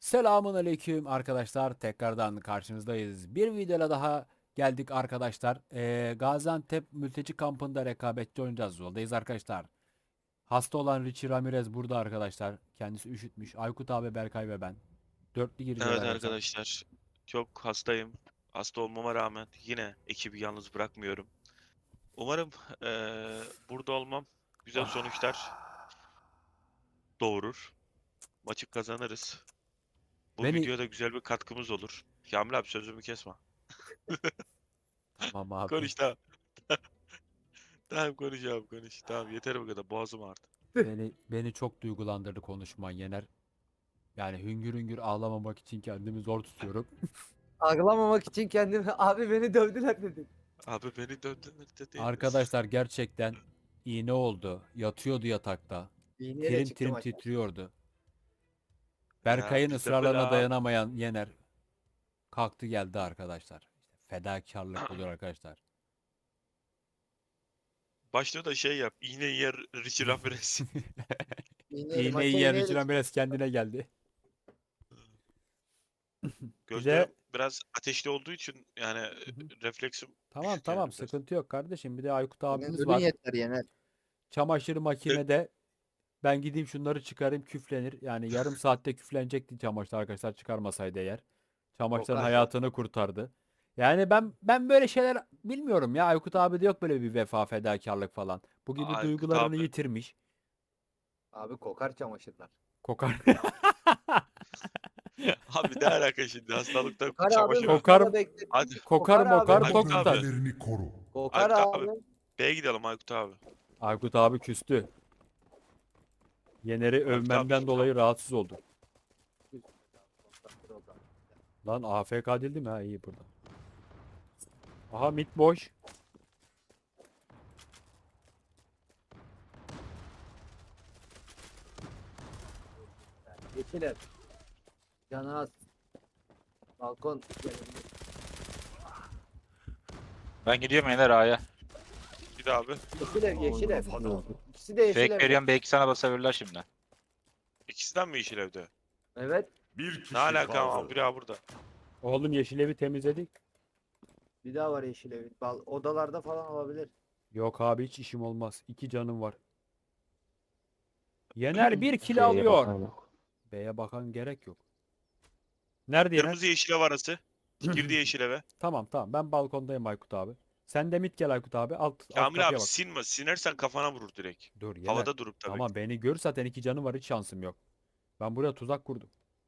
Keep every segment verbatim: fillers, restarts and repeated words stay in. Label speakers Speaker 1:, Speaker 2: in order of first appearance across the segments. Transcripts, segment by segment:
Speaker 1: Selamun aleyküm arkadaşlar. Tekrardan karşınızdayız. Bir videoyla daha geldik arkadaşlar. Ee, Gaziantep mülteci kampında rekabetçi oynayacağız. Yoldayız arkadaşlar. Hasta olan Richie Ramirez burada arkadaşlar. Kendisi üşütmüş. Aykut abi, Berkay ve ben. Dörtlü gireceğiz
Speaker 2: Evet
Speaker 1: arkadaşlar.
Speaker 2: arkadaşlar, çok hastayım. Hasta olmama rağmen yine ekibi yalnız bırakmıyorum. Umarım eee, burada olmam güzel sonuçlar doğurur. Maçı kazanırız. Bu
Speaker 1: Beni...
Speaker 2: videoda güzel bir katkımız olur. Kamil abi sözümü kesme.
Speaker 1: Tamam abi.
Speaker 2: Konuş tamam. Tamam konuş abi konuş. Tamam yeter bu kadar. Boğazım ağrıdı.
Speaker 1: Beni beni çok duygulandırdı konuşman Yener. Yani hüngür hüngür ağlamamak için kendimi zor tutuyorum.
Speaker 3: Ağlamamak için kendimi abi beni dövdüler dedim.
Speaker 2: Abi beni döndüler dedi.
Speaker 1: Arkadaşlar gerçekten iğne oldu. Yatıyordu yatakta.
Speaker 3: İğneyle
Speaker 1: Tirim
Speaker 3: çıktım
Speaker 1: tirim
Speaker 3: aşağı.
Speaker 1: titriyordu.
Speaker 2: Ya
Speaker 1: Berkay'ın
Speaker 2: biz de böyle
Speaker 1: ısrarlarına
Speaker 2: abi.
Speaker 1: dayanamayan Yener kalktı geldi arkadaşlar. İşte fedakarlık budur arkadaşlar.
Speaker 2: Başta da şey yap. İğne yer Richie Ramirez.
Speaker 3: İğneyle
Speaker 1: İğneyi
Speaker 3: maça
Speaker 1: yer
Speaker 3: iğneyle
Speaker 1: içinden
Speaker 3: çıktım.
Speaker 1: biraz kendine geldi. Bir de
Speaker 2: Gözlerim biraz ateşli olduğu için yani
Speaker 1: Hı hı.
Speaker 2: refleksim
Speaker 1: Tamam
Speaker 2: düşük
Speaker 1: tamam,
Speaker 2: yani biraz.
Speaker 1: sıkıntı yok kardeşim. Bir de Aykut
Speaker 3: Senin
Speaker 1: abimiz
Speaker 3: zulün
Speaker 1: var.
Speaker 3: yeter Yener.
Speaker 1: Çamaşır
Speaker 2: E,
Speaker 1: makinede ben gideyim şunları çıkarayım, küflenir. Yani yarım saatte küflenecekti çamaşır arkadaşlar, çıkarmasaydı eğer. Çamaşırın
Speaker 3: Kokar kokar.
Speaker 1: hayatını kurtardı. Yani ben ben böyle şeyler bilmiyorum ya. Aykut abi de yok böyle bir vefa, fedakarlık falan. Bu gibi
Speaker 2: Aykut
Speaker 1: duygularını
Speaker 2: abi.
Speaker 1: yitirmiş.
Speaker 3: Abi kokar çamaşırlar.
Speaker 1: Kokar.
Speaker 2: Abi ne alaka şimdi hastalıkta
Speaker 3: Kokar abi
Speaker 2: çamaşır.
Speaker 1: Kokar,
Speaker 3: makinede beklettim.
Speaker 2: Hadi
Speaker 1: kokar
Speaker 3: Kokar abi.
Speaker 1: mokar tok
Speaker 2: Aykut
Speaker 4: Bomba
Speaker 1: tutar.
Speaker 2: abi.
Speaker 4: bölgelerini koru.
Speaker 3: Kokar
Speaker 2: Aykut abi.
Speaker 3: abi.
Speaker 2: B'ye gidelim Aykut abi.
Speaker 1: Aykut abi küstü. Yener'i
Speaker 2: Aykut abi
Speaker 1: övmemden
Speaker 2: sus
Speaker 1: dolayı
Speaker 2: ama.
Speaker 1: rahatsız oldu. Lan A F K değildi mi? Ha, iyi burada. Aha, mid boş.
Speaker 3: Yeşil ev. Canı az. Balkon.
Speaker 5: Ben gidiyorum Yener A'ya.
Speaker 2: Bir de abi.
Speaker 3: Yeşil ev yeşil ev. İkisi de yeşil
Speaker 5: Fake
Speaker 3: ev.
Speaker 5: veriyorum belki sana basabilirler şimdi.
Speaker 2: İkisinden mi yeşil evde?
Speaker 3: Evet.
Speaker 4: Bir kişi
Speaker 2: Ne alaka ama
Speaker 4: kaldı.
Speaker 2: biri abi burada.
Speaker 1: Oğlum yeşil evi temizledik.
Speaker 3: Bir daha var yeşil ev. Bal odalarda falan olabilir.
Speaker 1: Yok abi, hiç işim olmaz. İki canım var. Yener bir kill alıyor. B'ye bakan gerek yok. Nerede Yener?
Speaker 2: Kırmızı yeşil ev arası. Girdi yeşil eve.
Speaker 1: Tamam tamam, ben balkondayım Aykut abi. Sen de mid gel Aykut abi. Alt, alt
Speaker 2: Kamil abi
Speaker 1: kapıya bak.
Speaker 2: sinme. Sinersen kafana vurur direkt.
Speaker 1: Dur Yener.
Speaker 2: Havada durup tabii.
Speaker 1: Ama beni gör, zaten iki canım var, hiç şansım yok. Ben buraya tuzak kurdum.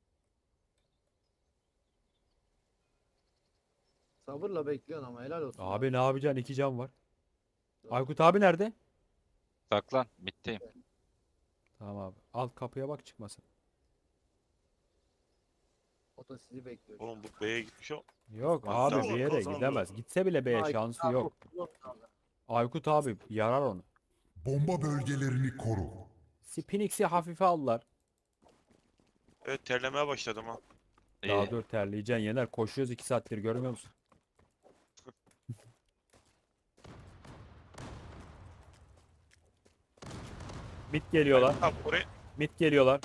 Speaker 3: Sabırla bekliyorsun ama helal olsun.
Speaker 1: Abi ne yapacaksın, iki can var. Aykut abi nerede?
Speaker 5: Saklan. Bitteyim.
Speaker 1: Tamam abi. Alt kapıya bak, çıkmasın.
Speaker 3: O da sizi bekliyor.
Speaker 2: Oğlum bu B'ye gitmiş o.
Speaker 1: Yok
Speaker 2: Aykut
Speaker 1: abi,
Speaker 2: abi
Speaker 1: bir yere
Speaker 4: kazandı.
Speaker 1: gidemez. Gitse bile B'ye
Speaker 3: Ay,
Speaker 1: şansı
Speaker 3: abi,
Speaker 1: yok. Aykut abi yarar onu.
Speaker 4: Bomba bölgelerini koru.
Speaker 1: Spinix'i hafife aldılar.
Speaker 2: Evet terlemeye başladım ha.
Speaker 1: Daha
Speaker 5: İyi.
Speaker 1: dur, terleyeceksin Yener. Koşuyoruz iki saattir, görmüyor musun? Mid geliyorlar.
Speaker 2: Abi oraya.
Speaker 1: Mid geliyorlar.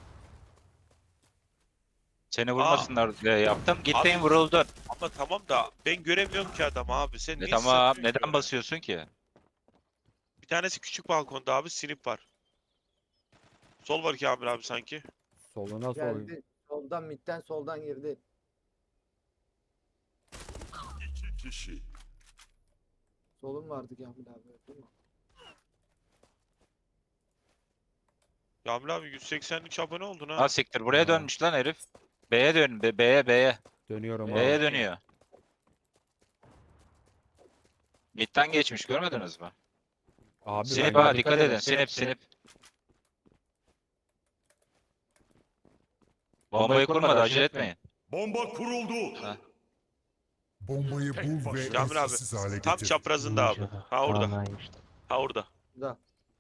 Speaker 5: Seni vurmasınlar diye yaptım. Gittin
Speaker 2: Abi-
Speaker 5: vuruldun.
Speaker 2: Ama tamam da ben göremiyorum ki adamı abi. Sen
Speaker 5: E
Speaker 2: niye
Speaker 5: tamam
Speaker 2: sırtıyorsun ki
Speaker 5: neden
Speaker 2: öyle?
Speaker 5: basıyorsun ki?
Speaker 2: Bir tanesi küçük balkonda abi sinip var. Sol var Kamil abi sanki.
Speaker 1: Soluna soy.
Speaker 3: Geldi. Soldan midden soldan girdi.
Speaker 4: İki kişi.
Speaker 3: Solun vardı Kamil abi. Değil mi?
Speaker 2: Kamil abi yüz seksenlik abone oldun ha.
Speaker 5: Ha siktir buraya
Speaker 1: Ha.
Speaker 5: dönmüş lan herif. B'ye dön. B- B'ye B'ye.
Speaker 1: Dönüyorum
Speaker 5: B'ye
Speaker 1: abi.
Speaker 5: dönüyor. Mid'den geçmiş görmediniz mi?
Speaker 1: Abi
Speaker 5: Sinip
Speaker 1: ben-
Speaker 5: ha dikkat edin. Sinip sinip. Bombayı kurmadı acele etmeyin.
Speaker 4: Bomba kuruldu.
Speaker 5: Ha.
Speaker 4: Bombayı bul ve
Speaker 2: Kamil abi,
Speaker 4: etkisiz hale
Speaker 2: Tam
Speaker 4: getir.
Speaker 2: çaprazında abi. Ha orada. Ha orada.
Speaker 3: Da.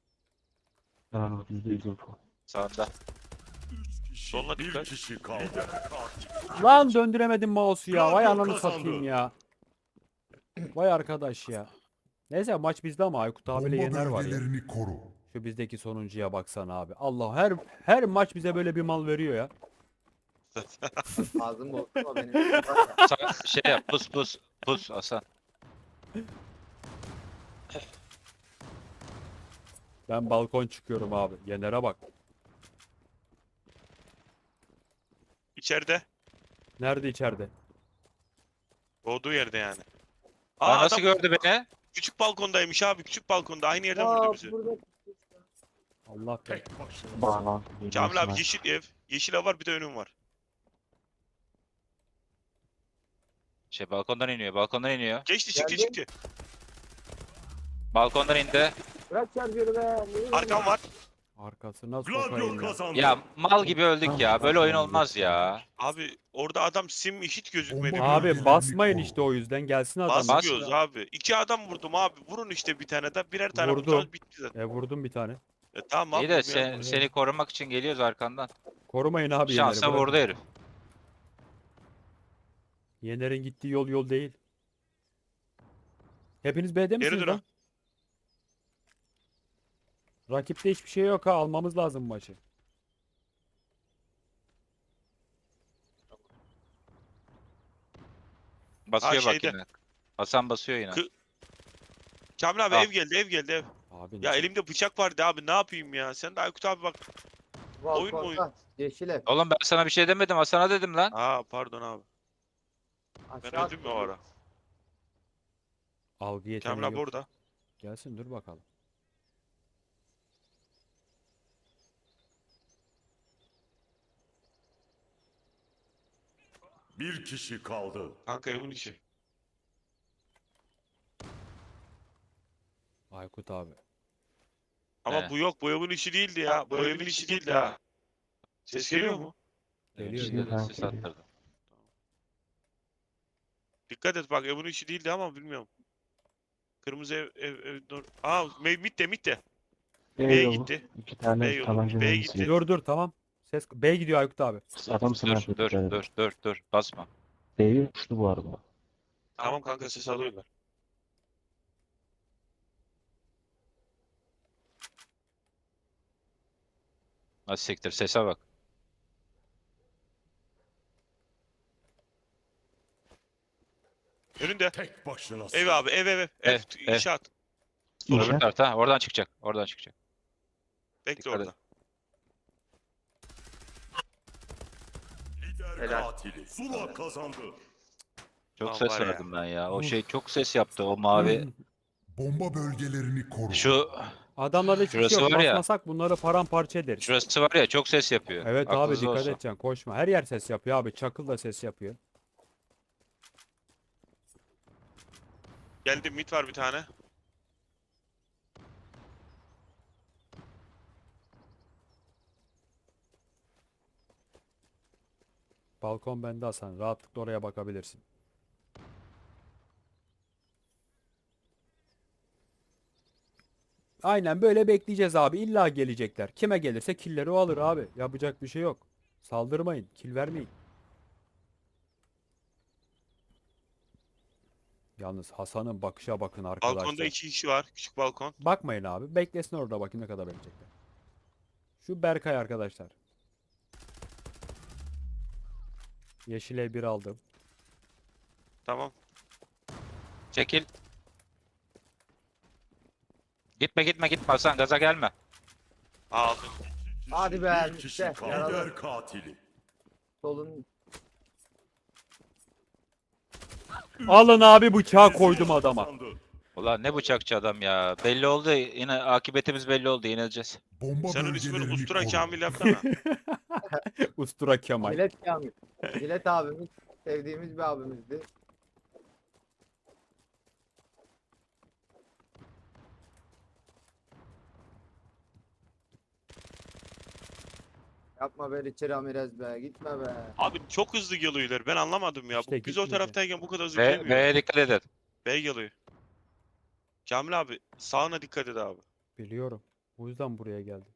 Speaker 5: Sağında.
Speaker 4: Üç kişi.
Speaker 2: Soluna
Speaker 4: Bir
Speaker 2: dikkat.
Speaker 4: kişi kaldı.
Speaker 1: Lan döndüremedim mouse'u ya. Vay
Speaker 4: Gladio
Speaker 1: ananı
Speaker 4: kazandı.
Speaker 1: satayım ya. Vay arkadaş ya. Neyse, maç bizde ama Aykut abiyle
Speaker 4: Bomba
Speaker 1: Yener var ya.
Speaker 4: bölgelerini koru.
Speaker 1: Şu bizdeki sonuncuya baksana abi. Allah, her her maç bize böyle bir mal veriyor ya.
Speaker 3: Ağzım bozma benim.
Speaker 5: Sa- şey yap pus pus pus Hasan.
Speaker 1: Ben balkon çıkıyorum abi. Yener'e bak.
Speaker 2: İçeride.
Speaker 1: Nerede içeride?
Speaker 2: Doğduğu yerde yani.
Speaker 5: Aa,
Speaker 2: Aa
Speaker 5: nasıl
Speaker 2: adam
Speaker 5: gördü beni?
Speaker 2: küçük balkondaymış abi. Küçük balkonda. Aynı yerden vurdu
Speaker 3: Aa,
Speaker 2: bizi.
Speaker 3: burada
Speaker 1: Allah be.
Speaker 4: Tek başına.
Speaker 2: Kamil abi yeşil ev. Yeşil ev var bir de önüm var.
Speaker 5: Şey balkondan iniyor balkondan iniyor.
Speaker 2: Geçti çıktı
Speaker 3: Geldim.
Speaker 2: çıktı.
Speaker 5: Balkondan indi.
Speaker 3: bırak şarjörü be. Niye
Speaker 2: Arkam var.
Speaker 1: Arkasına
Speaker 4: Gladio
Speaker 1: sokayım ya.
Speaker 4: kazandı.
Speaker 5: Ya mal gibi öldük ya. Böyle oyun olmaz ya.
Speaker 2: Abi orada adam sim hiç gözükmedi.
Speaker 4: Bomba-
Speaker 1: Abi
Speaker 4: Bölgelerini
Speaker 1: basmayın
Speaker 4: koru.
Speaker 1: işte o yüzden gelsin adam.
Speaker 5: Bas-
Speaker 2: Basmıyoruz abi. İki adam vurdum abi. Vurun işte bir tane de birer tane
Speaker 1: Vurdum.
Speaker 2: vuracağız bitti zaten.
Speaker 1: E vurdum bir tane.
Speaker 2: E, tamam
Speaker 5: İyi
Speaker 2: abi.
Speaker 5: de
Speaker 2: ya.
Speaker 5: sen, seni korumak için geliyoruz arkandan.
Speaker 1: Korumayın abi Yener'i.
Speaker 5: Şansa
Speaker 1: bırakın.
Speaker 5: vurdu herif.
Speaker 1: Yener'in gittiği yol yol değil. Hepiniz B'de
Speaker 2: Geri
Speaker 1: misiniz
Speaker 2: dön.
Speaker 1: lan? Rakipte hiçbir şey yok ha. Almamız lazım maçı.
Speaker 5: Basıyor bak
Speaker 2: şeyde.
Speaker 5: yine. Hasan basıyor yine.
Speaker 2: Kı- Kamil abi
Speaker 5: Al.
Speaker 2: ev geldi ev geldi ev.
Speaker 1: Abi
Speaker 2: Ya elimde bıçak vardı abi ne yapayım ya. Sen de Aykut abi bak. Oyun mu oyun?
Speaker 3: Balkonda. Yeşil ev.
Speaker 5: Oğlum ben sana bir şey demedim. Hasan'a dedim lan.
Speaker 2: Aa pardon abi. Ben
Speaker 3: Aşağı
Speaker 2: öldüm ya o ara.
Speaker 1: algı yeteneği
Speaker 2: Kamil abi
Speaker 1: yok.
Speaker 2: orada.
Speaker 1: Gelsin dur bakalım.
Speaker 4: Bir kişi kaldı.
Speaker 2: Kanka evin içi.
Speaker 1: Aykut abi.
Speaker 2: Ama
Speaker 5: He.
Speaker 2: bu yok bu evin içi değildi ya. Bu evin içi değildi ha. Ses geliyor mu?
Speaker 1: Geliyor,
Speaker 5: İşte
Speaker 1: geliyor.
Speaker 5: ses attırdım.
Speaker 2: Dikkat et bak evin içi değildi ama bilmiyorum. Kırmızı ev ev ev dur. Aa me- mitte mitte. B'ye
Speaker 6: yolu.
Speaker 2: gitti.
Speaker 6: İki
Speaker 2: B
Speaker 6: tane
Speaker 2: yolu,
Speaker 6: tabanca
Speaker 2: B'ye
Speaker 6: mermisi.
Speaker 2: gitti.
Speaker 1: Dur dur tamam. Ses B gidiyor Aykut abi.
Speaker 6: Adam
Speaker 5: Dur
Speaker 6: sniper
Speaker 5: dur
Speaker 6: tutar.
Speaker 5: dur dur dur. Basma.
Speaker 6: B'yi uçtu bu arada.
Speaker 2: Tamam kanka ses alıyorlar.
Speaker 5: Nasıl siktir sese bak.
Speaker 2: Önünde.
Speaker 4: Tek başına.
Speaker 2: Ev abi ev ev ev. Ev,
Speaker 5: Ev, ev.
Speaker 2: inşaat.
Speaker 5: Öbür
Speaker 6: İnşaat.
Speaker 5: tarafta. Ha, oradan çıkacak. Oradan çıkacak.
Speaker 2: Bekle
Speaker 5: Dikkat et.
Speaker 2: orada.
Speaker 4: Lider
Speaker 3: Helal.
Speaker 4: katili. Zula kazandı.
Speaker 5: Çok
Speaker 2: Lan
Speaker 5: ses
Speaker 2: var ya.
Speaker 5: verdim ben ya. O
Speaker 1: Uf.
Speaker 5: şey çok ses yaptı. O mavi.
Speaker 4: Bomba bölgelerini koru.
Speaker 5: Şu
Speaker 1: Adamlarda hiçbir şey
Speaker 5: Şurası
Speaker 1: yok.
Speaker 5: var ya.
Speaker 1: Basmasak bunları paramparça ederiz.
Speaker 5: şurası var ya çok ses yapıyor.
Speaker 1: Evet abi
Speaker 5: Aklınızda
Speaker 1: dikkat
Speaker 5: olsun.
Speaker 1: edeceksin. Koşma. Her yer ses yapıyor abi. Çakıl da ses yapıyor.
Speaker 2: Geldi mit var bir tane.
Speaker 1: Balkon bende Hasan. Rahatlıkla oraya bakabilirsin. Aynen böyle bekleyeceğiz abi. İlla gelecekler. Kime gelirse killeri o alır abi. Yapacak bir şey yok. Saldırmayın. Kill vermeyin. Yalnız Hasan'ın bakışa bakın arkadaşlar.
Speaker 2: Balkonda iki kişi var. Küçük balkon.
Speaker 1: Bakmayın abi. Beklesin orada bakayım ne kadar bekleyecekler. Şu Berkay arkadaşlar. Yeşile bir aldım.
Speaker 2: Tamam.
Speaker 5: Çekil. Gitme gitme gitme Hasan gaza gelme.
Speaker 2: Aldım.
Speaker 3: Hadi be,
Speaker 4: Bir kişi
Speaker 3: işte,
Speaker 4: kaldı.
Speaker 3: yaralı.
Speaker 4: Lider katili.
Speaker 3: Solun.
Speaker 1: Alın abi bıçağı koydum adama.
Speaker 4: Kazandı.
Speaker 5: Ulan ne bıçakçı adam ya. Belli oldu. Yine akıbetimiz belli oldu. Yenileceğiz.
Speaker 4: Bomba
Speaker 2: Senin ismini
Speaker 4: bölgelerini
Speaker 2: Ustura
Speaker 4: koru.
Speaker 2: Kamil yapsana.
Speaker 1: Ustura Kemal.
Speaker 3: Jilet Kamil. Jilet abimiz. Sevdiğimiz bir abimizdi. Yapma be Richie Ramirez be. Gitme be.
Speaker 2: Abi çok hızlı geliyorlar. Ben anlamadım ya.
Speaker 1: İşte
Speaker 2: Bu- Biz o
Speaker 1: gitmeyecek.
Speaker 2: taraftayken bu kadar hızlı
Speaker 5: Ve
Speaker 2: gelmiyor.
Speaker 5: V'ye dikkat edin.
Speaker 2: B geliyor. Kamil abi sağına dikkat et abi.
Speaker 1: Biliyorum. O yüzden buraya geldim.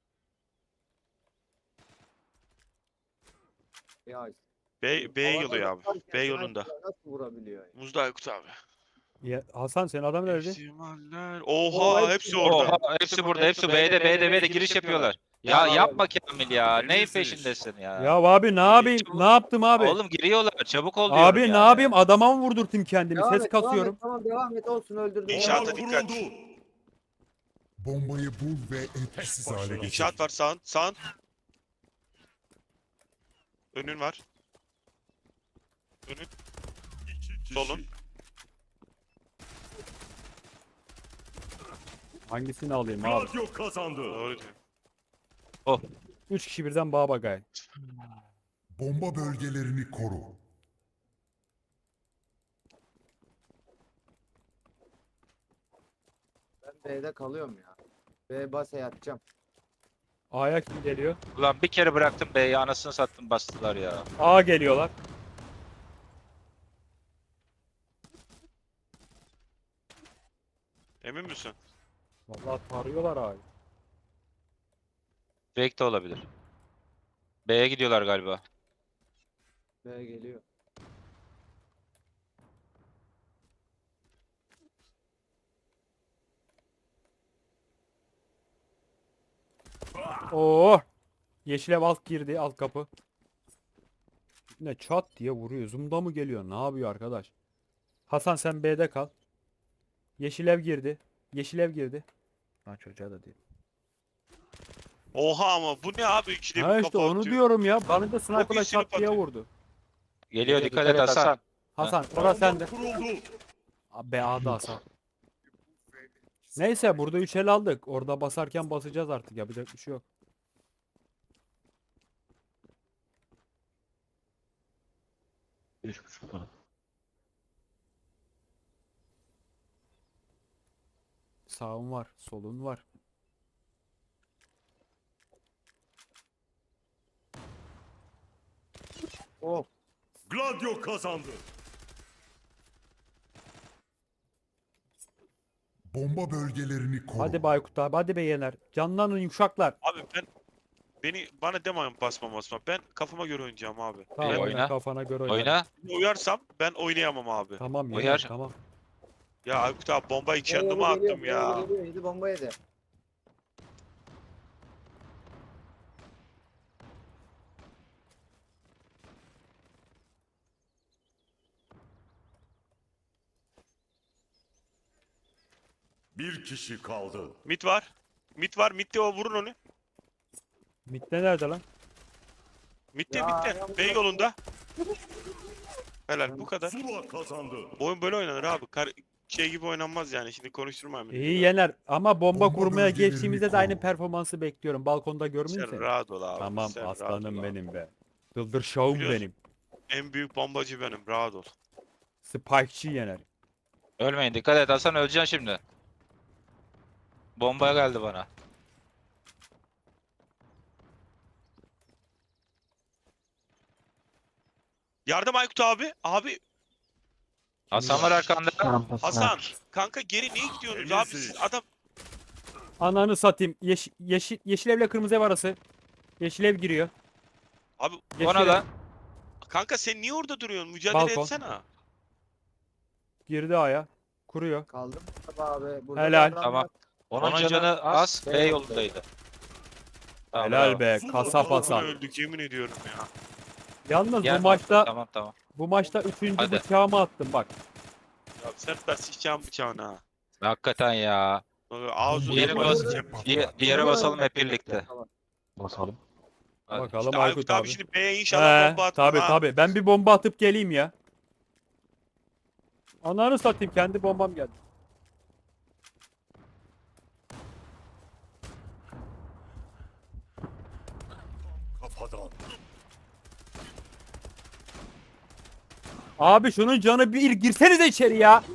Speaker 3: Ya,
Speaker 2: B, B'ye
Speaker 3: havada
Speaker 2: geliyor abi.
Speaker 3: tutarken
Speaker 2: B yolunda.
Speaker 3: sniper'la nasıl vurabiliyor? ya?
Speaker 2: Muzda Aykut abi.
Speaker 1: Ya, Hasan senin adam nerede?
Speaker 2: İhtimaller.
Speaker 3: Oo,
Speaker 2: Oha
Speaker 3: hepsi-
Speaker 2: hepsi orada.
Speaker 5: Oha, hepsi burada. Hepsi B'de B'de B'de giriş yapıyorlar. Ya
Speaker 3: Ya
Speaker 5: yapma Kamil ya. Neyin
Speaker 4: Temizdir.
Speaker 5: peşindesin ya?
Speaker 1: Ya abi ne yapayım?
Speaker 5: çabuk-
Speaker 1: Ne yaptım abi?
Speaker 5: Oğlum giriyorlar. Çabuk ol diyorum
Speaker 1: Abi ne
Speaker 5: yani.
Speaker 1: yapayım? Adama mı vurdurtayım kendimi?
Speaker 3: Devam
Speaker 1: Ses
Speaker 3: et, devam
Speaker 1: kasıyorum.
Speaker 3: et, tamam devam et olsun öldürdüm.
Speaker 2: İnşaata
Speaker 4: Bomba
Speaker 2: dikkat.
Speaker 4: kuruldu. Bombayı bul ve etkisiz hale getir.
Speaker 2: İnşaat var sağın. Sağın. Önün var. Önün.
Speaker 4: İki kişi.
Speaker 2: Solun.
Speaker 1: Hangisini alayım abi?
Speaker 4: Gladio kazandı.
Speaker 2: Doğru diyor.
Speaker 1: Üç kişi birden bağ bagay.
Speaker 4: Bomba bölgelerini koru.
Speaker 3: Ben B'de kalıyorum ya. B base yatacağım.
Speaker 1: A'ya kim geliyor?
Speaker 5: Ulan bir kere bıraktım B'yi anasını sattım bastılar ya.
Speaker 1: A geliyorlar.
Speaker 2: Emin misin?
Speaker 1: Vallahi tarıyorlar A'yı.
Speaker 5: Fake de olabilir. B'ye gidiyorlar galiba.
Speaker 3: B geliyor.
Speaker 1: Oo! Yeşil ev alt girdi, alt kapı. Ne çat diye vuruyor. Zoom'da mı geliyor? Ne yapıyor arkadaş? Hasan sen B'de kal. Yeşil ev girdi. Yeşil ev girdi. Ha çocuğa da değil.
Speaker 2: Oha ama bu ne abi? İkide
Speaker 1: Ha
Speaker 2: bir
Speaker 1: işte
Speaker 2: kafa
Speaker 1: onu
Speaker 2: atıyor.
Speaker 1: diyorum ya. Bana da sniper'la
Speaker 2: iyisini
Speaker 1: çat diye
Speaker 2: atıyor.
Speaker 1: vurdu.
Speaker 5: Geliyor dikkat et Hasan.
Speaker 1: Hasan orası sende.
Speaker 4: Kuruldu.
Speaker 1: B A'da Hasan. Neyse burada üç el aldık. Orada basarken basacağız artık. Yapacak bir şey yok.
Speaker 6: Üç buçuk falan.
Speaker 1: Sağın var, solun var.
Speaker 3: Oh.
Speaker 4: Gladio kazandı. Bomba bölgelerini koru.
Speaker 1: Hadi Baykut abi, hadi be Yener. Canlanın yumuşaklar.
Speaker 2: Abi ben beni bana demeyin basma basma. Ben kafama göre oynayacağım abi.
Speaker 1: Tamam
Speaker 5: İyi,
Speaker 1: oyna,
Speaker 5: oyna.
Speaker 1: kafana göre oyna.
Speaker 5: Oyna.
Speaker 2: Ben uyarsam ben oynayamam abi.
Speaker 1: Tamam Yener,
Speaker 5: Uyar.
Speaker 1: tamam.
Speaker 2: Ya Aykut abi bombayı
Speaker 3: B
Speaker 2: kendime
Speaker 3: yedi geliyor,
Speaker 2: attım
Speaker 3: B
Speaker 2: ya.
Speaker 3: yedi geliyor, yedi bomba yedi.
Speaker 4: Bir kişi kaldı.
Speaker 2: Mit var. Mit var. Mitte o vurun onu.
Speaker 1: Mitte nerede lan?
Speaker 2: Mitte
Speaker 3: Ya,
Speaker 2: mitte.
Speaker 3: ya,
Speaker 2: Bey
Speaker 3: bu-
Speaker 2: yolunda. Helal bu kadar.
Speaker 4: Zula kazandı.
Speaker 2: Bu oyun böyle oynanır abi. Kar şey gibi oynanmaz yani. Şimdi konuşturmayayım.
Speaker 1: İyi Yener ama bomba,
Speaker 4: Bomba
Speaker 1: kurmaya
Speaker 4: bölgelerini
Speaker 1: geçtiğimizde de aynı
Speaker 4: koru.
Speaker 1: performansı bekliyorum. Balkonda
Speaker 2: Sen
Speaker 1: görmeyeyim seni.
Speaker 2: rahat ol abi.
Speaker 1: Tamam
Speaker 2: sen rahat
Speaker 1: aslanım
Speaker 2: ol abi.
Speaker 1: benim be. Dıldır şahım
Speaker 2: Biliyorsun.
Speaker 1: benim.
Speaker 2: En büyük bombacı benim. Rahat ol.
Speaker 1: Spike'çı Yener.
Speaker 5: Ölmeyin dikkat et Hasan öleceksin şimdi. Bomba geldi bana.
Speaker 2: Yardım Aykut abi. Abi
Speaker 5: Hasan var arkanda.
Speaker 6: Rampası
Speaker 2: Hasan.
Speaker 6: var.
Speaker 2: Kanka geri niye gidiyorsunuz abi?
Speaker 4: Temizlik.
Speaker 2: Siz adam
Speaker 1: Ananı satayım. Yeş yeşil, yeşil evle kırmızı ev arası. Yeşil ev giriyor.
Speaker 2: abi
Speaker 1: Yeşil
Speaker 5: Ona
Speaker 1: ev
Speaker 5: da.
Speaker 2: kanka sen niye orada duruyorsun? Mücadele
Speaker 1: Balkon.
Speaker 2: etsene.
Speaker 1: girdi aya. Kuruyor.
Speaker 3: Kaldım abi. Burada
Speaker 1: Helal.
Speaker 3: adam
Speaker 5: Tamam.
Speaker 3: var.
Speaker 5: Onun canı az B yolundaydı. Tamam,
Speaker 1: Helal
Speaker 5: bravo.
Speaker 1: be.
Speaker 4: Zula
Speaker 1: Kasap
Speaker 4: kazandı.
Speaker 1: Hasan.
Speaker 2: Öldük yemin ediyorum ya.
Speaker 1: Yalnız
Speaker 5: Gel.
Speaker 1: bu maçta
Speaker 5: Tamam tamam.
Speaker 1: bu maçta üçüncü
Speaker 5: Hadi.
Speaker 1: bıçağımı attım bak.
Speaker 2: Ya sen de sıçacağım bıçağına. ha.
Speaker 5: Hakikaten ya.
Speaker 2: Bak, Ağzını
Speaker 5: Diğeri
Speaker 2: yumar
Speaker 5: bas-
Speaker 2: sıçacağım.
Speaker 5: Bir, bir yere basalım hep birlikte.
Speaker 6: Basalım.
Speaker 5: Hadi.
Speaker 1: Bakalım
Speaker 2: İşte
Speaker 1: Aykut
Speaker 2: Aykut
Speaker 1: abi.
Speaker 2: abi şimdi B'ye inşallah
Speaker 1: He,
Speaker 2: bomba atma.
Speaker 1: tabi
Speaker 2: ha.
Speaker 1: tabi. Ben bir bomba atıp geleyim ya. Ananı satayım kendi bombam geldi.
Speaker 4: Kafadan.
Speaker 1: Abi şunun canı bir girsenize içeri ya.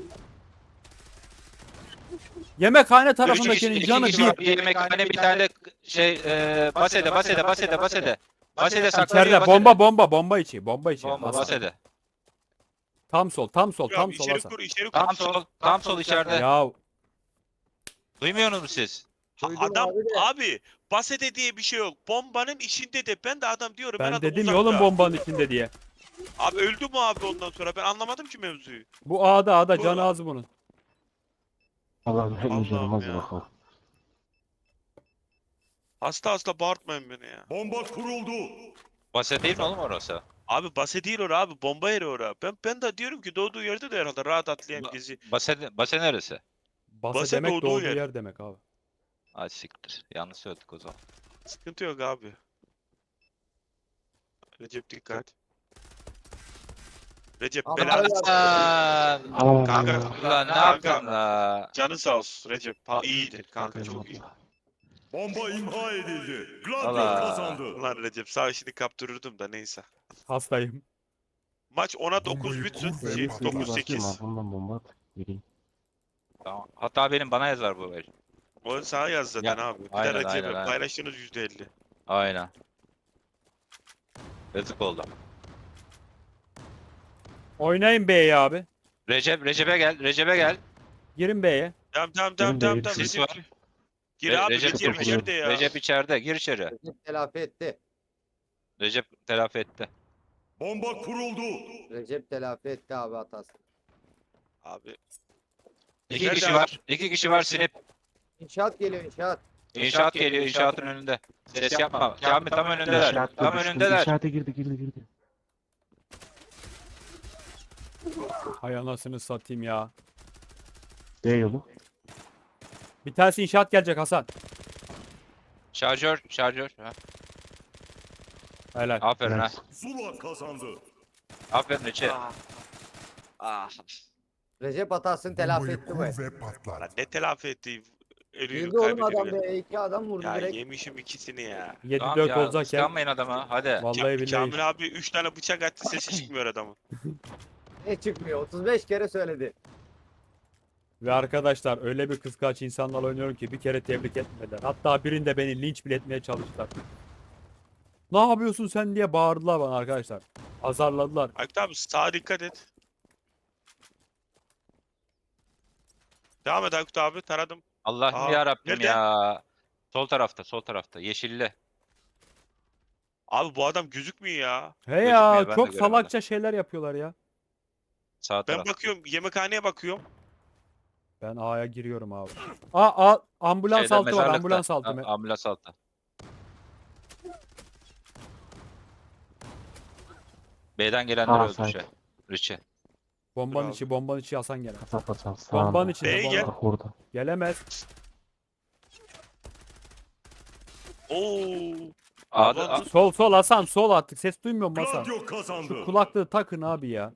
Speaker 1: Yemekhane tarafındakinin
Speaker 5: İki
Speaker 1: canı
Speaker 5: kişi var.
Speaker 1: bir.
Speaker 5: Bir yemekhane bir tane de şey e, basede basede basede basede. Basede saklanıyor
Speaker 1: İçeride
Speaker 5: basede.
Speaker 1: bomba bomba bomba içi bomba içi.
Speaker 5: Bomba
Speaker 1: Hasan.
Speaker 5: basede.
Speaker 1: Tam sol tam sol
Speaker 2: Ya,
Speaker 1: tam sol
Speaker 2: içeri
Speaker 1: Hasan.
Speaker 2: kur içeri kur.
Speaker 5: Tam sol tam sol içeride.
Speaker 1: Ya
Speaker 5: Duymuyorsunuz mu siz?
Speaker 2: Ha,
Speaker 3: Duydum
Speaker 2: adam
Speaker 3: abi de.
Speaker 2: abi basede diye bir şey yok. Bombanın içinde de ben de adam diyorum. Ben,
Speaker 1: ben
Speaker 2: adam
Speaker 1: dedim
Speaker 2: uzakta.
Speaker 1: ya oğlum bombanın içinde diye.
Speaker 2: Abi öldü mü abi ondan sonra? Ben anlamadım ki mevzuyu.
Speaker 1: Bu A'da A'da
Speaker 2: Bu-
Speaker 1: canı az bunun.
Speaker 6: Allah'ım hep
Speaker 2: Allah'ım
Speaker 6: üzerimiz
Speaker 2: ya.
Speaker 6: bakalım.
Speaker 2: Hasta hasta bağırtmayın beni ya.
Speaker 7: Bomba kuruldu.
Speaker 5: Basit değil mi oğlum orası?
Speaker 2: Abi base değil ora abi. Bomba yeri ora. Ben, ben de diyorum ki doğduğu yerde de herhalde rahat atlayan
Speaker 5: Ba-
Speaker 2: gezi.
Speaker 5: Base, base neresi?
Speaker 1: Base
Speaker 2: Base
Speaker 1: demek
Speaker 2: doğduğu
Speaker 1: doğduğu
Speaker 2: yer.
Speaker 1: yer demek abi.
Speaker 5: Ay siktir. Yanlış söyledik o zaman.
Speaker 2: Sıkıntı yok abi. Recep dikkat. Recep
Speaker 3: Ama
Speaker 2: belanı
Speaker 3: hala-
Speaker 2: s-
Speaker 5: Lan!
Speaker 2: Kanka,
Speaker 5: Ulan ne
Speaker 2: kanka.
Speaker 5: yaptın la?
Speaker 2: canı sağ olsun Recep. Ha, iyidir kanka çok iyi.
Speaker 7: Bomba imha edildi. Gladio
Speaker 5: Allah.
Speaker 7: kazandı.
Speaker 2: Ulan Recep sağ işini kaptırırdım da neyse.
Speaker 1: Hastayım.
Speaker 2: Maç ona dokuz
Speaker 4: Bombayı
Speaker 2: bitsin.
Speaker 4: kur ve
Speaker 2: Şey,
Speaker 4: patlat.
Speaker 2: dokuz sekiz.
Speaker 6: Bundan bomba at. Geleyim.
Speaker 5: Tamam. Hatta benim bana yazar bu el.
Speaker 2: O sana yaz zaten
Speaker 5: Ya,
Speaker 2: abi. Bir
Speaker 5: aynen,
Speaker 2: de Recep'e
Speaker 5: aynen, aynen.
Speaker 2: paylaştığınız yüzde elli.
Speaker 5: Aynen. Yazık oldu.
Speaker 1: Oynayın B'ye abi.
Speaker 5: Recep, Recep'e gel, Recep'e gel.
Speaker 1: Girin B'ye.
Speaker 2: Tamam tamam tamam
Speaker 6: Benim de
Speaker 2: tamam
Speaker 6: bir
Speaker 2: tamam
Speaker 5: sis
Speaker 2: Recep.
Speaker 5: var.
Speaker 2: Gir
Speaker 5: Re-
Speaker 2: abi
Speaker 5: Recep
Speaker 2: Recep,
Speaker 6: kapatıyor.
Speaker 2: içeride ya.
Speaker 5: Recep içeride, gir içeri.
Speaker 3: Recep telafi etti.
Speaker 5: Recep telafi etti.
Speaker 7: Bomba kuruldu.
Speaker 3: Recep telafi etti abi hatası.
Speaker 2: Abi.
Speaker 5: İki
Speaker 2: Nerede
Speaker 5: kişi
Speaker 2: abi?
Speaker 5: var, iki kişi var sinip.
Speaker 3: İnşaat geliyor inşaat.
Speaker 5: İnşaat geliyor, inşaatın önünde. Ses yapma. Kamil tam önündeler.
Speaker 6: İnşaat
Speaker 5: Tam
Speaker 6: girdi,
Speaker 5: önündeler.
Speaker 6: İnşaata girdi girdi girdi.
Speaker 1: Hay anasını satayım ya.
Speaker 6: B yolu.
Speaker 1: Bir tanesi inşaat gelecek Hasan.
Speaker 5: Şarjör, şarjör. Ha.
Speaker 1: Helal.
Speaker 5: Aferin ha.
Speaker 6: Nice.
Speaker 7: Zula kazandı.
Speaker 5: Aferin Recep.
Speaker 2: Ah. Ah.
Speaker 3: Recep hatasını telafi
Speaker 4: Bombayı
Speaker 3: etti bu.
Speaker 4: kur ve
Speaker 2: Lan
Speaker 4: patlat.
Speaker 2: ne telafi etti? Ölüyü
Speaker 3: Girdi oğlum
Speaker 2: kaybediyor
Speaker 3: adam
Speaker 2: ya.
Speaker 3: be. iki adam vurdu
Speaker 2: Ya
Speaker 3: direkt.
Speaker 2: yemişim ikisini ya.
Speaker 1: yedi
Speaker 5: Tamam
Speaker 1: dört
Speaker 5: ya,
Speaker 1: olacakken.
Speaker 5: kıskanmayın adama. Hadi.
Speaker 1: Vallahi
Speaker 2: Ka-
Speaker 1: billahi.
Speaker 2: Kamil abi üç tane bıçak attı sesi çıkmıyor adamın.
Speaker 3: Ne çıkmıyor? otuz beş kere söyledi.
Speaker 1: Ve arkadaşlar öyle bir kıskaç insanlarla oynuyorum ki bir kere tebrik etmediler. Hatta birinde beni linç bile etmeye çalıştılar. Ne yapıyorsun sen diye bağırdılar bana arkadaşlar. Azarladılar.
Speaker 2: Aykut abi sağa dikkat et. Devam et Aykut abi taradım.
Speaker 5: Allah'ım
Speaker 2: Aa,
Speaker 5: ya Rabbim
Speaker 2: nerede?
Speaker 5: ya. Sol tarafta, sol tarafta. Yeşilli.
Speaker 2: Abi bu adam gözükmüyor ya.
Speaker 1: He
Speaker 5: Gözükmüyor,
Speaker 1: ya
Speaker 5: ben de
Speaker 1: çok
Speaker 5: göremedim.
Speaker 1: salakça şeyler yapıyorlar ya.
Speaker 5: Sağ
Speaker 2: Ben
Speaker 5: taraf.
Speaker 2: bakıyorum yemekhaneye bakıyorum.
Speaker 1: Ben A'ya giriyorum abi. Aa, a, ambulans
Speaker 5: Şeyde,
Speaker 1: altı var
Speaker 5: mezarlıkta.
Speaker 1: ambulans altı.
Speaker 5: Ha,
Speaker 1: Me-
Speaker 5: ambulans altı. B'den gelenler
Speaker 6: Sağ
Speaker 5: öldü
Speaker 6: side.
Speaker 5: şey. Richie.
Speaker 1: Bombanın
Speaker 2: Bravo.
Speaker 1: içi bombanın içi Hasan gene.
Speaker 6: Kasap atsam
Speaker 1: Bombanın
Speaker 6: sağında.
Speaker 1: içinde
Speaker 2: B'ye
Speaker 1: bomba.
Speaker 2: gel.
Speaker 6: Bak orada.
Speaker 1: Gelemez.
Speaker 2: Oo.
Speaker 5: A'da,
Speaker 2: Aman.
Speaker 5: A-
Speaker 1: Sol sol Hasan sol attık. Ses duymuyor musun Hasan?
Speaker 7: Gladio kazandı.
Speaker 1: Şu kulaklığı takın abi ya.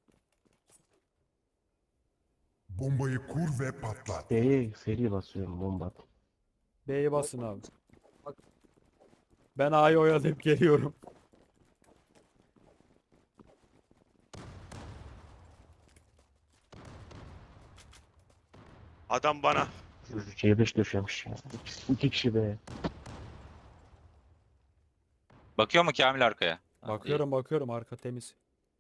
Speaker 4: Bombayı kur ve patlat.
Speaker 6: B'ye seri basıyorum bomba at.
Speaker 1: B'ye basın abi. Ben A'yı oyalayıp geliyorum.
Speaker 2: Adam bana.
Speaker 6: C beş döşemiş ya. İki, iki kişi B.
Speaker 5: bakıyor mu Kamil arkaya? Ha,
Speaker 1: Bakıyorum bakıyorum arka temiz.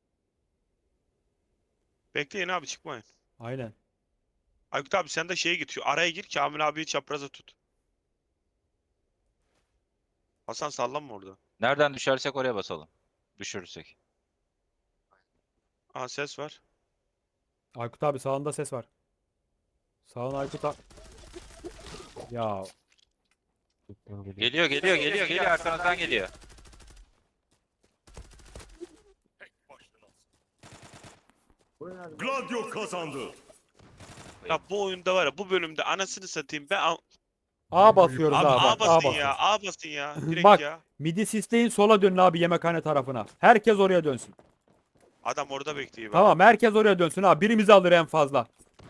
Speaker 2: Bekleyin abi çıkmayın.
Speaker 1: Aynen.
Speaker 2: Aykut abi sen de şeye git. Şu araya gir Kamil abiyi çapraza tut. Hasan sallanma orada.
Speaker 5: iyi. Nereden düşersek oraya basalım. Düşürürsek.
Speaker 2: Aa ses var.
Speaker 1: Aykut abi sağında ses var. Sağın Aykut abi. Ya
Speaker 6: Gittim geliyor.
Speaker 5: Geliyor, geliyor, geliyor, geliyor. Arkanızdan geliyor.
Speaker 3: Bu nerede?
Speaker 7: Gladio kazandı.
Speaker 2: Ya bu oyunda var ya bu bölümde anasını satayım ben al-
Speaker 1: A basıyoruz
Speaker 2: abi
Speaker 1: abi.
Speaker 2: A
Speaker 1: bak, A
Speaker 2: basın
Speaker 1: basıyoruz.
Speaker 2: ya A basın ya direkt
Speaker 1: Bak.
Speaker 2: ya.
Speaker 1: Midi sisleyin sola dönün abi yemekhane tarafına. Herkes oraya dönsün.
Speaker 2: Adam orada bekliyor. bak.
Speaker 1: Tamam herkes oraya dönsün abi. Birimizi alır en fazla.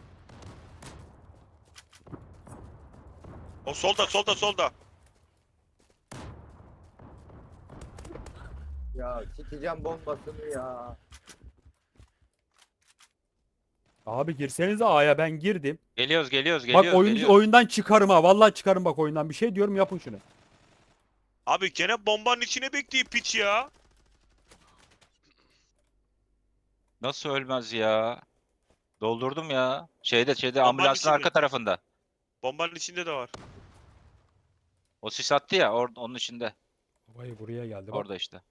Speaker 2: O solda solda solda.
Speaker 3: Ya sikeceğim bombasını ya.
Speaker 1: Abi girsenize A'ya ben girdim.
Speaker 5: Geliyoruz, geliyoruz, geliyoruz.
Speaker 1: Bak oyun,
Speaker 5: geliyoruz.
Speaker 1: oyundan çıkarım ha. Vallahi çıkarım bak oyundan. Bir şey diyorum yapın şunu.
Speaker 2: Abi gene bombanın içine bekliyor piç ya.
Speaker 5: Nasıl ölmez ya? Doldurdum ya. Şeyde, şeyde
Speaker 2: Bombanın
Speaker 5: ambulansın
Speaker 2: içinde.
Speaker 5: arka tarafında.
Speaker 2: Bombanın içinde de var.
Speaker 5: O sis attı ya, or onun içinde.
Speaker 1: Vay buraya geldi bak.
Speaker 5: Orada işte.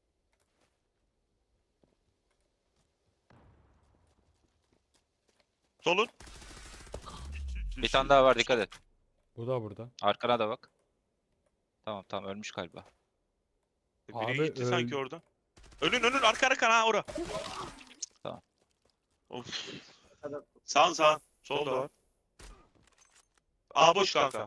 Speaker 2: Solun.
Speaker 5: Bir tane daha var, dikkat et.
Speaker 1: Bu da burada.
Speaker 5: Arkana da bak. Tamam tamam ölmüş galiba.
Speaker 2: Biri
Speaker 1: Abi,
Speaker 2: gitti sanki
Speaker 1: öl-
Speaker 2: orada. Önün önün arka arka ha ora.
Speaker 5: Tamam.
Speaker 2: Of.
Speaker 3: Kadar-
Speaker 2: Sağ sağ. Solda var. Aa boş kanka.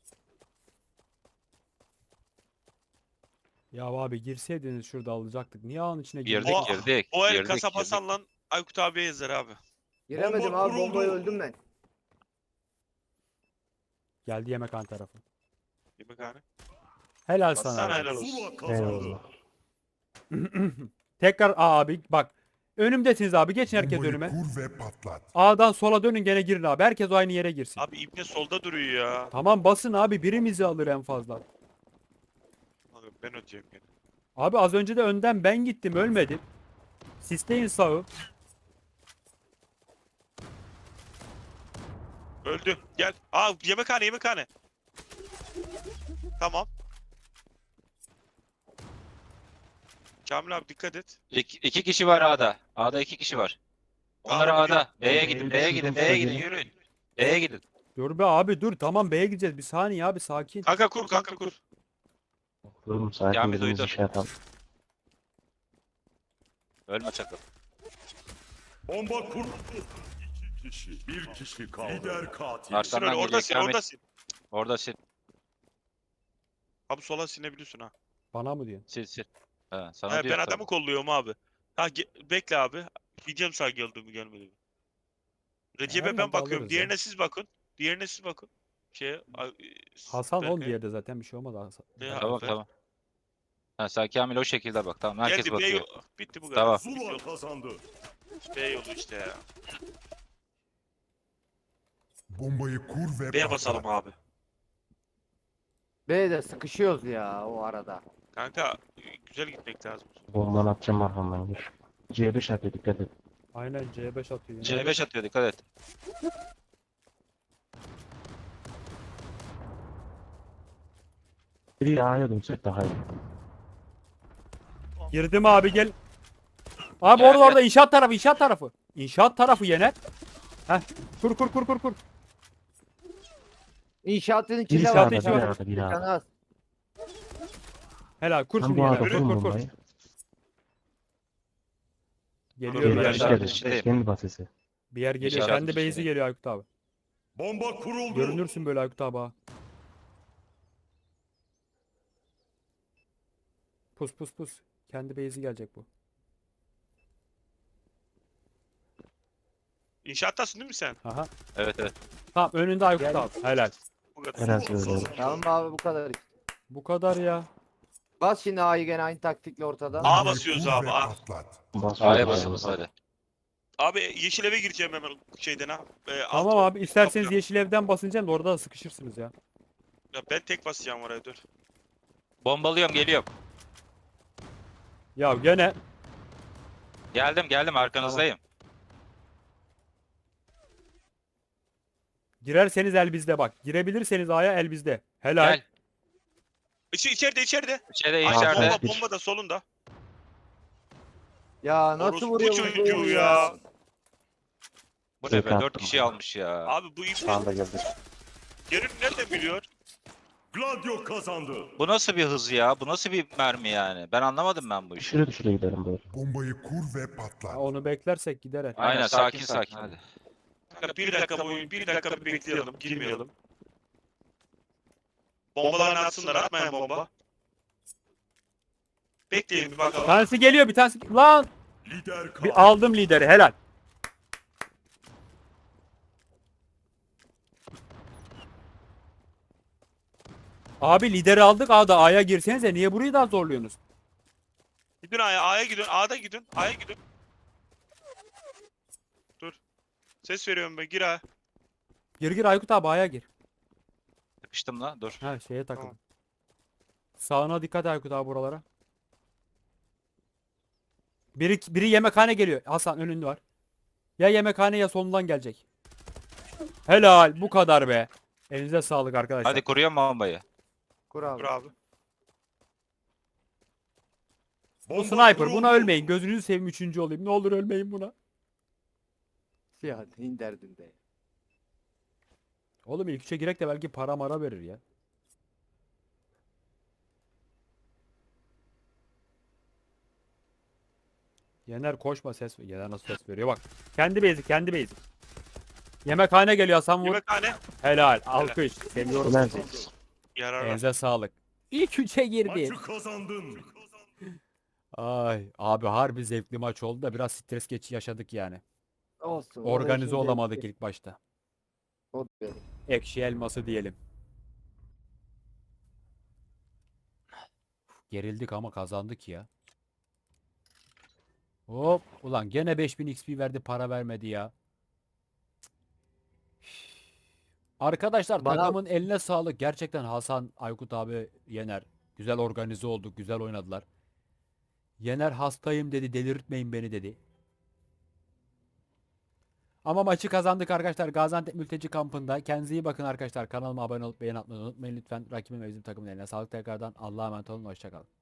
Speaker 1: Ya abi girseydiniz şurada alacaktık. Niye ağın içine
Speaker 5: Girdik
Speaker 1: girdiniz?
Speaker 2: O-
Speaker 5: girdik.
Speaker 2: O el
Speaker 5: girdik,
Speaker 2: kasap
Speaker 5: girdik.
Speaker 2: Hasan lan Aykut abiye yazar abi.
Speaker 3: Giremedim
Speaker 7: Bomba
Speaker 3: abi bombayı
Speaker 7: kuruldu.
Speaker 3: öldüm ben.
Speaker 1: Geldi yemekhane tarafı.
Speaker 2: Yemekhane.
Speaker 1: Helal
Speaker 2: Sana
Speaker 1: sana. abi.
Speaker 2: helal olsun.
Speaker 7: Zula kazandı.
Speaker 6: Eyvallah.
Speaker 1: Tekrar Aa, abi bak. Önümdesiniz abi. Geçin herkes
Speaker 4: Bombayı
Speaker 1: önüme.
Speaker 4: kur ve patlat.
Speaker 1: A'dan sola dönün gene girin abi. Herkes aynı yere girsin.
Speaker 2: Abi İbne solda duruyor ya.
Speaker 1: Tamam basın abi. Birimizi alır en fazla.
Speaker 2: Abi ben ödeyeceğim gene.
Speaker 1: Abi az önce de önden ben gittim. Ölmedim. Sisteyin sağı.
Speaker 2: Öldü. Gel. Aa yemekhane yemekhane. Tamam. Kamil abi dikkat et.
Speaker 5: İki, iki kişi var A'da. A'da iki kişi var. Onlar
Speaker 2: Tamam,
Speaker 5: A'da. B'ye
Speaker 6: B'ye
Speaker 5: gidin, B'ye gidin,
Speaker 6: gidin,
Speaker 5: B'ye
Speaker 6: B'ye
Speaker 5: gidin,
Speaker 6: gidin.
Speaker 5: yürüyün. B'ye gidin.
Speaker 1: Dur be abi dur. Tamam B'ye gideceğiz. Bir saniye abi sakin.
Speaker 2: Kanka kur kanka kur.
Speaker 6: Oğlum sakin
Speaker 5: Kamil
Speaker 6: birimizi
Speaker 5: duydu.
Speaker 6: şey yapalım.
Speaker 5: Ölme sakın.
Speaker 7: Bomba kuruldu. İki kişi. Bir kişi kaldı. Lider katil.
Speaker 5: Arka-
Speaker 2: Sin
Speaker 5: Senden
Speaker 2: öyle orada
Speaker 5: geliyor,
Speaker 2: sin
Speaker 5: Kamil.
Speaker 2: orada sin.
Speaker 5: Orada sil,
Speaker 2: Abi sola sinebiliyorsun ha.
Speaker 1: Bana mı diyorsun?
Speaker 5: sil, sil. He, sana
Speaker 2: He, ben
Speaker 5: diyor
Speaker 2: adamı kolluyorum abi. Ha ge- bekle abi. Diyeceğim sağ geldi mi gelmedi mi? Recep'e
Speaker 1: Hemen
Speaker 2: ben bakıyorum.
Speaker 1: alırız
Speaker 2: Diğerine
Speaker 1: ya.
Speaker 2: siz bakın. Diğerine siz bakın. Şey,
Speaker 1: Hasan on
Speaker 2: Berkay.
Speaker 1: yerde zaten bir şey olmadı Hasan.
Speaker 2: Ya,
Speaker 5: Tamam
Speaker 2: ben-
Speaker 5: tamam. Ha, sen Kamil o şekilde bak. Tamam herkes
Speaker 2: Geldi B
Speaker 5: bakıyor.
Speaker 2: yolu. Bitti bu kadar.
Speaker 5: Tamam.
Speaker 7: Zula kazandı.
Speaker 2: B yolu işte ya.
Speaker 4: Bombayı kur ve
Speaker 2: B'ye
Speaker 4: patlat.
Speaker 2: basalım abi.
Speaker 3: B'de sıkışıyoruz ya o arada.
Speaker 2: Kanka güzel gitmek lazım.
Speaker 6: Bombanı atacağım arkamdan gir. C beş atıyor dikkat et.
Speaker 1: Aynen C beş atıyor.
Speaker 5: C beş atıyor dikkat et.
Speaker 6: Biri A'ya dönsek daha iyi.
Speaker 1: Girdim abi gel. Abi
Speaker 5: Gel,
Speaker 1: orada
Speaker 5: gel.
Speaker 1: orada inşaat tarafı inşaat tarafı. İnşaat tarafı yener. Heh. Kur kur kur kur kur.
Speaker 3: İnşaatın
Speaker 6: Biri
Speaker 3: içinde
Speaker 1: İnşaat
Speaker 3: var.
Speaker 6: sağda,
Speaker 1: içi
Speaker 6: biri
Speaker 1: var.
Speaker 6: A'da, biri A'da.
Speaker 3: Canı az.
Speaker 1: Helal kur
Speaker 6: Ben
Speaker 1: şunu
Speaker 6: bu
Speaker 1: yener.
Speaker 6: A'da
Speaker 1: Kur
Speaker 6: kurum
Speaker 1: kur kur.
Speaker 6: bombayı.
Speaker 1: Geliyor
Speaker 5: Geliyor,
Speaker 1: bir yer.
Speaker 5: geliyor.
Speaker 1: daha.
Speaker 5: içindeyim, içindeyim.
Speaker 6: Kendi basesi.
Speaker 1: Bir yer geliyor.
Speaker 5: İnşaatın
Speaker 1: Kendi base'i
Speaker 5: içindeyim.
Speaker 1: geliyor Aykut abi.
Speaker 7: Bomba kuruldu.
Speaker 1: Görünürsün böyle Aykut abi ha. Pus pus pus. Kendi base'i gelecek bu.
Speaker 2: İnşaattasın değil mi sen?
Speaker 1: Aha.
Speaker 5: Evet evet.
Speaker 1: Tamam önünde Aykut
Speaker 3: Gel.
Speaker 1: abi. Helal.
Speaker 2: Bu kadar.
Speaker 6: Helal
Speaker 7: Zula
Speaker 6: söylüyorum.
Speaker 7: kazandı.
Speaker 3: Tamam abi bu kadar işte.
Speaker 1: Bu kadar ya.
Speaker 3: Bas şimdi A'yı gene aynı taktikle ortada.
Speaker 2: A
Speaker 4: Bombayı
Speaker 2: basıyoruz
Speaker 4: kur
Speaker 2: abi,
Speaker 4: ve
Speaker 2: A.
Speaker 4: patlat.
Speaker 6: Basıyoruz
Speaker 5: A'ya
Speaker 6: yani.
Speaker 5: basınız hadi.
Speaker 2: Abi yeşil eve gireceğim hemen şeyden ha. Ee, alt-
Speaker 1: Tamam abi isterseniz
Speaker 2: kapıdan.
Speaker 1: yeşil evden basınca da orada da sıkışırsınız ya.
Speaker 2: Ya ben tek basacağım oraya dur.
Speaker 5: Bombalıyorum geliyorum.
Speaker 1: Ya gene
Speaker 5: Geldim geldim arkanızdayım.
Speaker 1: girerseniz el bizde bak. Girebilirseniz A'ya el bizde. Helal.
Speaker 5: Gel.
Speaker 2: İçi, içeride içeride.
Speaker 5: İçeride
Speaker 2: Aşağı
Speaker 5: içeride.
Speaker 2: bomba bomba da solunda.
Speaker 3: Ya nasıl
Speaker 2: Orospu
Speaker 3: vuruyor bu
Speaker 2: çocuğu
Speaker 3: bu
Speaker 2: ya.
Speaker 5: Bu ne be?
Speaker 6: Tek
Speaker 5: Dört
Speaker 6: attım.
Speaker 5: kişi almış ya.
Speaker 2: Abi bu ipne
Speaker 6: Sağda geldi.
Speaker 2: yerini nereden biliyor?
Speaker 7: Gladio kazandı.
Speaker 5: Bu nasıl bir hız ya? Bu nasıl bir mermi yani? Ben anlamadım ben bu işi.
Speaker 6: Düşüre düşüre gidelim böyle.
Speaker 4: Bombayı kur ve patlat.
Speaker 1: Ha, onu beklersek gider el.
Speaker 5: Aynen sakin sakin hadi.
Speaker 2: Kanka bir dakika boyu bir dakika bir bekleyelim girmeyelim. Bombalarını atsınlar atmayın bomba. Bekleyin bir
Speaker 1: Bir
Speaker 2: bakalım.
Speaker 1: tanesi geliyor bir tanesi. Lan
Speaker 7: Lider katil.
Speaker 1: bir aldım lideri helal. Abi lideri aldık A'da A'ya girsenize niye burayı daha zorluyorsunuz?
Speaker 2: Gidin A'ya A'ya gidin A'da gidin A'ya gidin. Dur. Ses veriyorum ben gir A'ya.
Speaker 1: Gir gir Aykut abi A'ya gir.
Speaker 5: Sıkıştım la dur.
Speaker 1: Ha şeye takıldım.
Speaker 2: Tamam.
Speaker 1: Sağına dikkat Aykut abi buralara. Biri, biri yemekhane geliyor. Hasan önünde var. Ya yemekhane ya sonundan gelecek. Helal bu kadar be. Elinize sağlık arkadaşlar.
Speaker 5: Hadi kuruyorum bombayı.
Speaker 3: Kur abi.
Speaker 2: Dur abi.
Speaker 1: Bu
Speaker 7: Bomba
Speaker 1: sniper
Speaker 7: kuruldu.
Speaker 1: buna ölmeyin. Gözünüzü seveyim üçüncü olayım. Ne olur ölmeyin buna.
Speaker 3: Ya neyin derdinde.
Speaker 1: Oğlum ilk üçe girek de belki para mara verir ya. Yener koşma ses. Yener nasıl ses veriyor bak. Kendi bezi kendi bezi. Yemekhane geliyor Hasan vur.
Speaker 2: Yemekhane.
Speaker 1: Helal. Alkış. Seviyorum
Speaker 6: Ulan
Speaker 1: sizi.
Speaker 2: Yarar.
Speaker 1: Elinize sağlık. İlk üçe girdi.
Speaker 7: Maçı kazandın.
Speaker 1: Ay abi harbi zevkli maç oldu da biraz stres geçi yaşadık yani.
Speaker 3: Olsun. o da
Speaker 1: Organize
Speaker 3: işin
Speaker 1: olamadık
Speaker 3: zevki.
Speaker 1: ilk başta.
Speaker 3: O da öyle.
Speaker 1: Ekşi elması diyelim. Gerildik ama kazandık ya. Hop. Ulan gene beş bin X P verdi para vermedi ya. Arkadaşlar
Speaker 3: Bana-
Speaker 1: takımın eline sağlık. Gerçekten Hasan, Aykut abi, Yener. Güzel organize olduk. Güzel oynadılar. Yener hastayım dedi. Delirtmeyin beni dedi. Ama maçı kazandık arkadaşlar. Gaziantep Mülteci Kampı'nda. Kendinize iyi bakın arkadaşlar. Kanalıma abone olup beğeni atmayı unutmayın lütfen. Rakibim ve bizim takımın eline sağlık tekrardan. Allah'a emanet olun. Hoşçakalın.